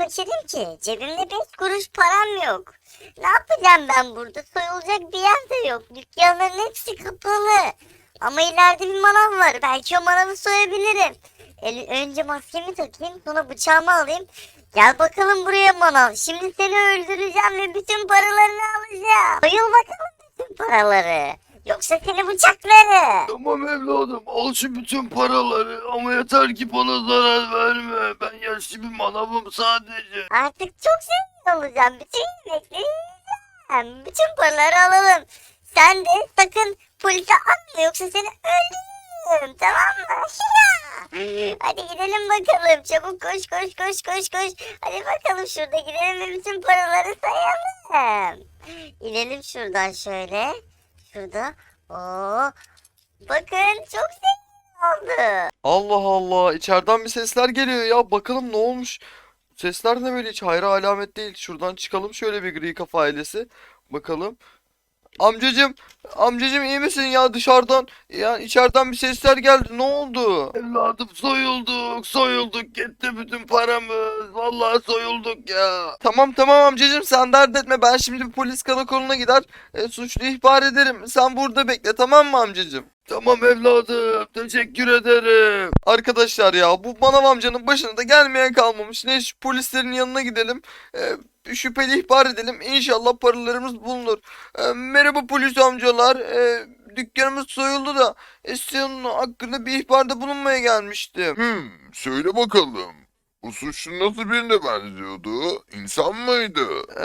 kaçırdım ki? Cebimde 5 kuruş param yok. Ne yapacağım ben burada? Soyulacak bir yer de yok. Dükkanların hepsi kapalı. Ama ileride bir manav var. Belki o manavı soyabilirim. Önce maskemi takayım, sonra bıçağımı alayım. Gel bakalım buraya manav. Şimdi seni öldüreceğim ve bütün paralarını alacağım. Soyul bakalım bütün paraları. Yoksa seni bıçaklarım. Tamam evladım, al şu bütün paraları ama yeter ki bana zarar verme. Ben yaşlı bir manavım sadece. Artık çok zengin olacağım. Bütün yemekleri yiyeceğim. Bütün paraları alalım. Sen de sakın polise atma yoksa seni öldürürüm. Tamam mı? Hadi gidelim bakalım. Çabuk koş koş koş koş koş. Hadi bakalım şurada gidelim ve bütün paraları sayalım. İnelim şuradan şöyle. Şurada. Oo. Bakın çok zengin oldu. Allah Allah, içeriden bir sesler geliyor ya. Bakalım ne olmuş? Sesler ne böyle, hiç hayra alamet değil. Şuradan çıkalım şöyle bir gri kafa ailesi. Bakalım. Amcacım, amcacım iyi misin ya, dışarıdan ya içeriden bir sesler geldi. Ne oldu? Evladım soyulduk gitti bütün paramız. Vallahi soyulduk ya. Tamam tamam amcacım, sen dert etme, ben şimdi bir polis karakoluna gider suçlu ihbar ederim. Sen burada bekle, tamam mı amcacım? Tamam evladım, teşekkür ederim. Arkadaşlar ya, bu manav amcanın başına da gelmeye kalmamış. Ne, şu polislerin yanına gidelim. Şüpheli ihbar edelim. İnşallah paralarımız bulunur. Merhaba polis amcalar. Dükkanımız soyuldu da senin hakkında bir ihbarda bulunmaya gelmiştim. Söyle bakalım. Bu suçlu nasıl birine benziyordu? İnsan mıydı?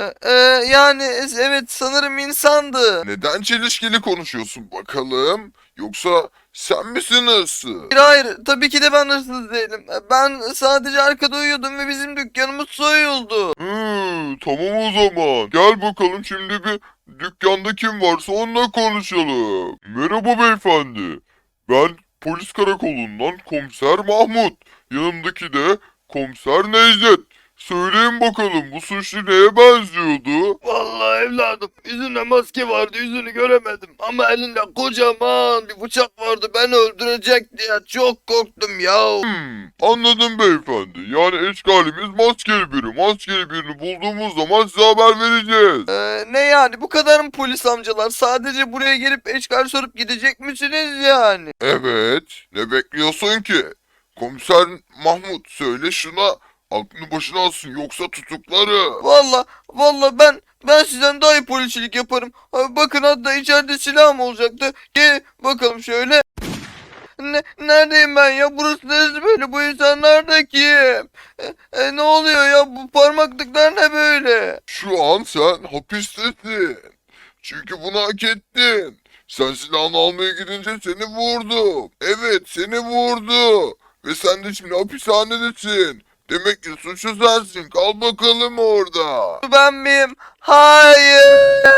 Yani evet, sanırım insandı. Neden çelişkili konuşuyorsun bakalım? Yoksa sen misin hırsız? Hayır, hayır, tabii ki de ben hırsız değilim. Ben sadece arkada uyuyordum ve bizim dükkanımız soyuldu. Tamam o zaman. Gel bakalım şimdi bir dükkanda kim varsa onunla konuşalım. Merhaba beyefendi. Ben polis karakolundan komiser Mahmut. Yanımdaki de komiser Necdet. Söyleyin bakalım bu suçlu neye benziyordu? Vallahi evladım, yüzünde maske vardı, yüzünü göremedim. Ama elinde kocaman bir bıçak vardı, beni öldürecekti ya. Çok korktum ya. Anladım beyefendi. Yani eşkalimiz maskeli biri. Maskeli birini bulduğumuz zaman size haber vereceğiz. Ne yani, bu kadar mı polis amcalar? Sadece buraya gelip eşkal sorup gidecek misiniz yani? Evet. Ne bekliyorsun ki? Komiser Mahmut söyle şuna. Aklını başına alsın yoksa tutukları. Valla ben sizden daha iyi polisçilik yaparım. Bakın, hatta içeride silahım olacaktı. Gel bakalım şöyle. Neredeyim ben ya? Burası neresi böyle? Bu insanlar da kim? Ne oluyor ya? Bu parmaklıklar ne böyle? Şu an sen hapistesin. Çünkü bunu hak ettin. Sen silahını almaya gidince seni vurdu. Evet seni vurdu. Ve sen de şimdi hapishanedesin. Demek ki suçlu sensin. Kal bakalım orada. Ben miyim? Hayır.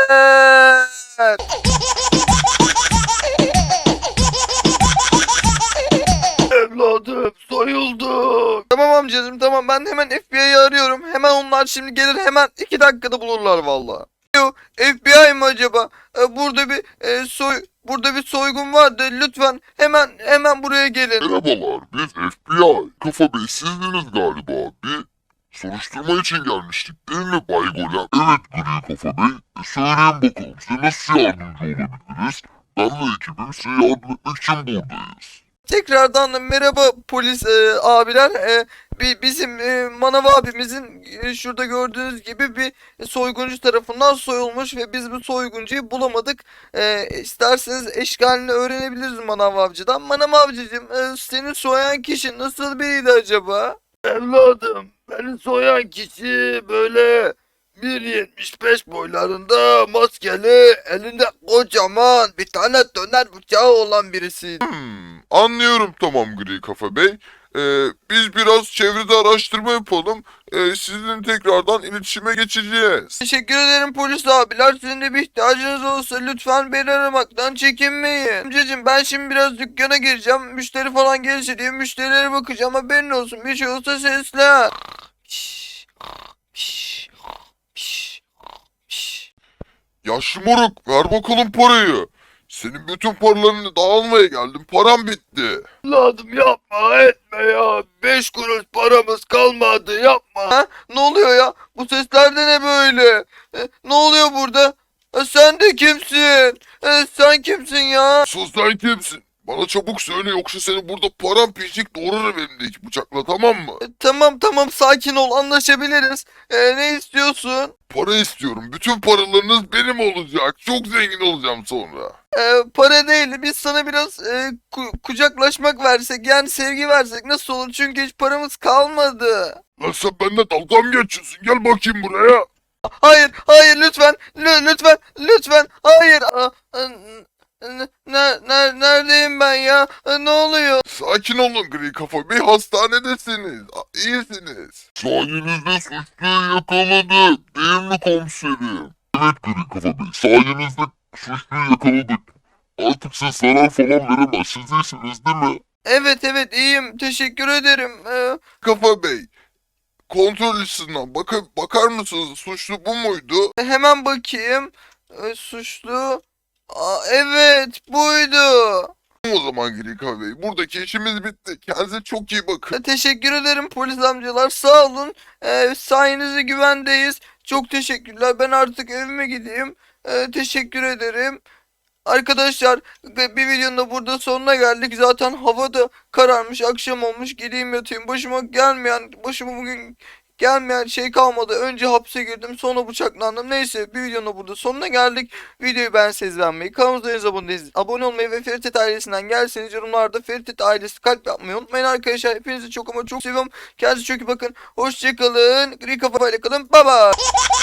Evladım soyulduk. Tamam amcacığım, tamam, ben hemen FBI'yi arıyorum. Hemen onlar şimdi gelir, hemen 2 dakikada bulurlar valla. Yo, FBI mi acaba? Burada bir soygun vardı. Lütfen hemen buraya gelin. Merhabalar, biz FBI. Kafa Bey sizdiniz galiba. Bir soruşturma için gelmiştik değil mi Bay Golem? Evet Gri Kafa Bey. Söyleyin bakalım size nasıl yardımcı olabiliriz? Ben ve ekibim size yardım etmek için buradayız. Tekrardan merhaba polis abiler. Bizim Manav abimizin şurada gördüğünüz gibi bir soyguncu tarafından soyulmuş ve biz bu soyguncuyu bulamadık. İsterseniz eşkalini öğrenebiliriz Manav avcıdan. Manav avcıcığım, seni soyan kişi nasıl biriydi acaba? Evladım, beni soyan kişi böyle 1,75 boylarında, maskeli, elinde kocaman bir tane döner bıçağı olan birisi. Anlıyorum tamam Gri Kafa Bey. Biz biraz çevrede araştırma yapalım. Sizinle tekrardan iletişime geçeceğiz. Teşekkür ederim polis abiler. Sizin de bir ihtiyacınız olursa lütfen beni aramaktan çekinmeyin. Amcacığım, ben şimdi biraz dükkana gireceğim. Müşteri falan gelirse diye müşterilere bakacağım. Haberin olsun. Bir şey olsa seslen. Yaşlı moruk ver bakalım parayı. Senin bütün paralarını dağılmaya geldim. Param bitti. Evladım yapma etme ya. 5 kuruş paramız kalmadı, yapma. Ha? Ne oluyor Sen kimsin? Bana çabuk söyle yoksa seni burada paramparçık doğrarım elimdeki bıçakla, tamam mı? Tamam sakin ol, anlaşabiliriz. Ne istiyorsun? Para istiyorum. Bütün paralarınız benim olacak. Çok zengin olacağım sonra. Para değil, biz sana biraz kucaklaşmak versek, yani sevgi versek nasıl olur? Çünkü hiç paramız kalmadı. Lan sen benimle dalga mı geçiyorsun? Gel bakayım buraya. Hayır lütfen, lütfen, hayır. Neredeyim ben ya? Ne oluyor? Sakin olun Gri Kafa Bey, hastanedesiniz. İyisiniz. Sayenizde suçluyu yakaladık. Değil mi komiserim? Evet Gri Kafa Bey, sayenizde suçluyu yakaladık. Artık size zarar falan veremez. Siz iyisiniz değil mi? Evet iyiyim, teşekkür ederim. Kafa Bey, kontrol listesinden bakar mısınız? Suçlu bu muydu? Hemen bakayım. Suçlu. Evet buydu. O zaman Gri Kafa Bey, buradaki işimiz bitti. Kendinize çok iyi bakın. Teşekkür ederim polis amcalar, sağ olun. Sayenizde güvendeyiz. Çok teşekkürler. Ben artık evime gideyim. Teşekkür ederim. Arkadaşlar, bir videonun da burada sonuna geldik. Zaten hava da kararmış, akşam olmuş. Gideyim yatayım. Başıma bugün gelmeyen şey kalmadı. Önce hapse girdim, sonra bıçaklandım. Neyse, bir videonun da burada sonuna geldik. Videoyu beğenseniz beğenmeyi, kanalımıza henüz abone değilseniz abone olmayı ve Feritet ailesinden gelseniz yorumlarda Feritet ailesi kalp yapmayı unutmayın arkadaşlar. Hepinizi çok ama çok seviyorum. Kendinize çok iyi bakın. Hoşçakalın. Gri kafayla kalın. Bye bye.